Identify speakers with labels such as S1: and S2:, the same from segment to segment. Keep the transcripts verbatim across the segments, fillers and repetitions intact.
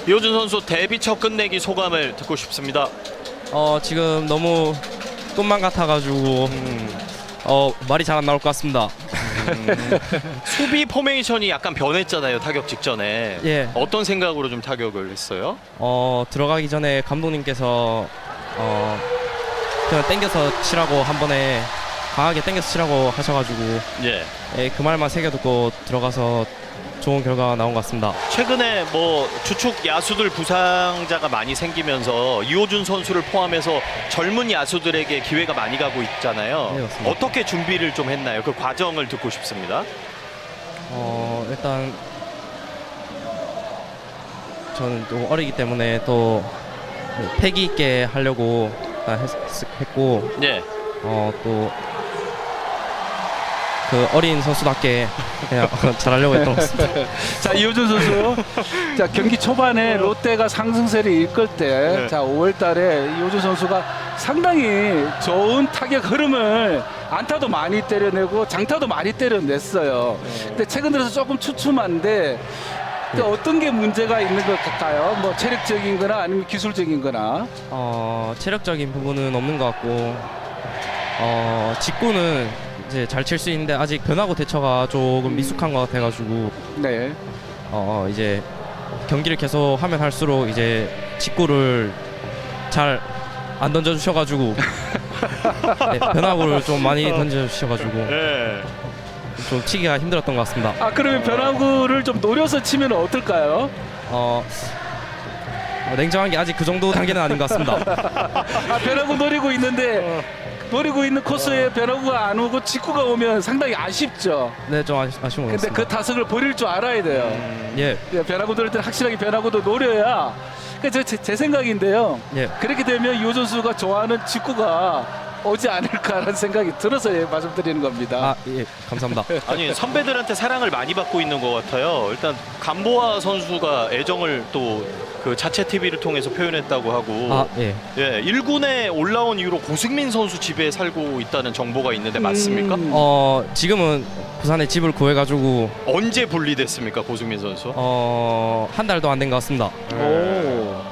S1: 이호준 선수 데뷔 첫 끝내기 소감을 듣고 싶습니다.
S2: 어 지금 너무 꿈만 같아가지고
S1: 음,
S2: 어 말이 잘 안 나올 것 같습니다.
S1: 음, 수비 포메이션이 약간 변했잖아요, 타격 직전에.
S2: 예.
S1: 어떤 생각으로 좀 타격을 했어요?
S2: 어 들어가기 전에 감독님께서 어 그냥 땡겨서 치라고 한 번에 강하게 땡겨서 치라고 하셔가지고
S1: 예.
S2: 예, 그 말만 새겨 듣고 들어가서 좋은 결과가 나온 것 같습니다.
S1: 최근에 뭐 주축 야수들 부상자가 많이 생기면서 이호준 선수를 포함해서 젊은 야수들에게 기회가 많이 가고 있잖아요.
S2: 네, 맞습니다.
S1: 어떻게 준비를 좀 했나요? 그 과정을 듣고 싶습니다.
S2: 어 일단 저는 또 어리기 때문에 또 패기 있게 하려고 일단 했, 했고
S1: 예.
S2: 어 또 그 어린 선수답게 그냥 잘하려고 했던 것 같습니다.
S3: 자, 이호준 선수. 자, 경기 초반에 롯데가 상승세를 이끌 때,
S1: 네.
S3: 자, 오월 달에 이호준 선수가 상당히 좋은 타격 흐름을 안타도 많이 때려내고 장타도 많이 때려냈어요. 근데 최근 들어서 조금 추춤한데 근데 어떤 게 문제가 있는 것 같아요? 뭐 체력적인 거나 아니면 기술적인 거나.
S2: 어 체력적인 부분은 없는 것 같고 어 직구는 이제 잘 칠 수 있는데 아직 변화구 대처가 조금 미숙한 것 같아가지고
S3: 네.
S2: 어 이제 경기를 계속 하면 할수록 이제 직구를 잘 안 던져주셔가지고 네, 변화구를 좀 많이 던져주셔가지고
S1: 예.
S2: 좀 치기가 힘들었던 것 같습니다.
S3: 아, 그러면 변화구를 좀 노려서 치면 어떨까요?
S2: 어, 어, 냉정한 게 아직 그 정도 단계는 아닌 것 같습니다.
S3: 아, 변화구 노리고 있는데 노리고 있는 코스에 변화구가 안 오고 직구가 오면 상당히 아쉽죠.
S2: 네, 좀 아쉬, 아쉬운 것
S3: 근데
S2: 같습니다.
S3: 그 타석을 버릴 줄 알아야 돼요.
S2: 예,
S3: 예, 변화구 노릴 때는 확실하게 변화구도 노려야. 그 제, 제 생각인데요.
S2: 예.
S3: 그렇게 되면 이호준 선수가 좋아하는 직구가 오지 않을까라는 생각이 들어서 예, 말씀드리는 겁니다.
S2: 아, 예, 감사합니다.
S1: 아니 선배들한테 사랑을 많이 받고 있는 것 같아요. 일단 감보아 선수가 애정을 또 그 자체 티비를 통해서 표현했다고 하고
S2: 아, 예.
S1: 예, 일 군에 올라온 이후로 고승민 선수 집에 살고 있다는 정보가 있는데 맞습니까?
S3: 음.
S2: 어, 지금은 부산에 집을 구해가지고
S1: 언제 분리됐습니까, 고승민 선수?
S2: 어, 한 달도 안 된 것 같습니다.
S3: 오.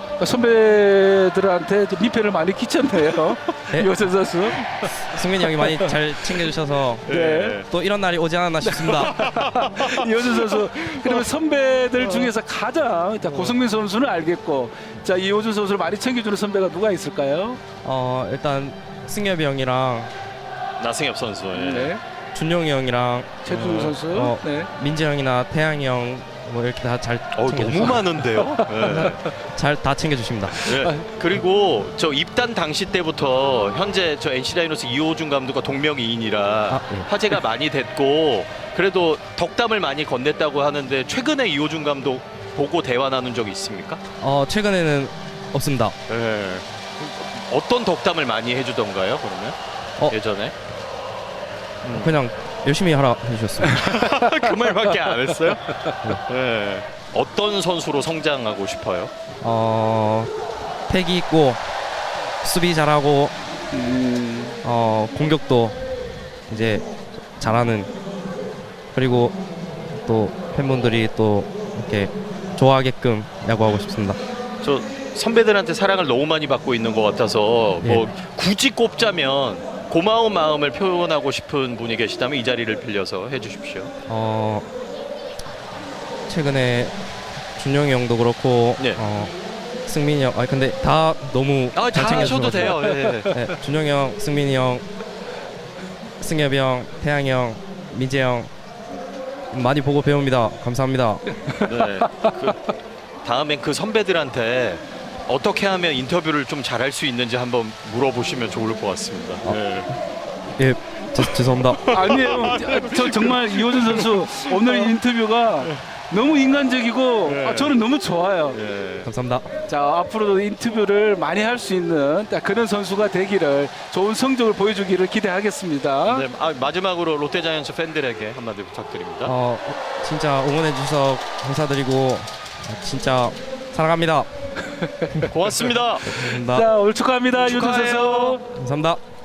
S3: 선배들한테 좀 민폐를 많이 끼쳤네요.
S2: 네?
S3: 이호준 선수.
S2: 승민이 형이 많이 잘 챙겨주셔서
S3: 네.
S2: 또 이런 날이 오지 않았나 싶습니다.
S3: 이호준 선수. 그러면 선배들 중에서 가장 자, 고승민 선수는 알겠고, 자, 이호준 선수를 많이 챙겨주는 선배가 누가 있을까요?
S2: 어, 일단 승엽이 형이랑
S1: 나승엽 선수. 예.
S3: 네.
S2: 준용이 형이랑
S3: 최준우
S2: 어,
S3: 선수.
S2: 어,
S3: 네.
S2: 민재 형이나 태양이 형 뭐 이렇게 다 잘
S1: 어,
S2: 챙겨주시
S1: 너무 많은데요. 예.
S2: 잘다 챙겨주십니다.
S1: 예. 그리고 저 입단 당시 때부터 현재 저 엔씨 다이노스 이호준 감독과 동명이인이라
S2: 아, 예.
S1: 화제가 많이 됐고 그래도 덕담을 많이 건넸다고 하는데 최근에 이호준 감독 보고 대화 나눈 적이 있습니까?
S2: 어, 최근에는 없습니다.
S1: 예. 어떤 덕담을 많이 해주던가요? 그러면
S2: 어.
S1: 예전에
S2: 그냥 열심히 하라 해주셨습니다.
S1: 그 말밖에 안 했어요? 예. 어떤 선수로 성장하고 싶어요?
S2: 어, 패기 있고 수비 잘하고
S3: 음,
S2: 어, 공격도 이제 잘하는 그리고 또 팬분들이 또 이렇게 좋아하게끔 야구하고 싶습니다.
S1: 저 선배들한테 사랑을 너무 많이 받고 있는 것 같아서 뭐 굳이 꼽자면 고마운 마음을 표현하고 싶은 분이 계시다면 이 자리를 빌려서 해주십시오.
S2: 어, 최근에 준영이 형도 그렇고
S1: 네.
S2: 어, 승민이 형, 아 근데 다 너무
S1: 아,
S2: 잘
S1: 다 하셔도
S2: 챙겨주셔서
S1: 돼요. 예.
S2: 네, 준영이 형, 승민이 형, 승엽이 형, 태양이 형, 민재 형 많이 보고 배웁니다. 감사합니다.
S1: 네. 그, 다음엔 그 선배들한테 어떻게 하면 인터뷰를 좀 잘할 수 있는지 한번 물어보시면 좋을 것 같습니다. 네.
S2: 예, 제, 죄송합니다.
S3: 아니에요. 저 정말 이호준 선수 오늘 인터뷰가 너무 인간적이고
S1: 네.
S3: 아, 저는 너무 좋아요.
S1: 예.
S2: 감사합니다.
S3: 자, 앞으로도 인터뷰를 많이 할 수 있는 딱 그런 선수가 되기를 좋은 성적을 보여주기를 기대하겠습니다.
S1: 네, 아, 마지막으로 롯데자이언츠 팬들에게 한마디 부탁드립니다.
S2: 어, 진짜 응원해 주셔서 감사드리고 진짜 사랑합니다.
S1: 고맙습니다.
S2: 감사합니다.
S3: 자, 오늘 축하합니다. 이호준
S1: 축하해요.
S3: 선수.
S2: 감사합니다.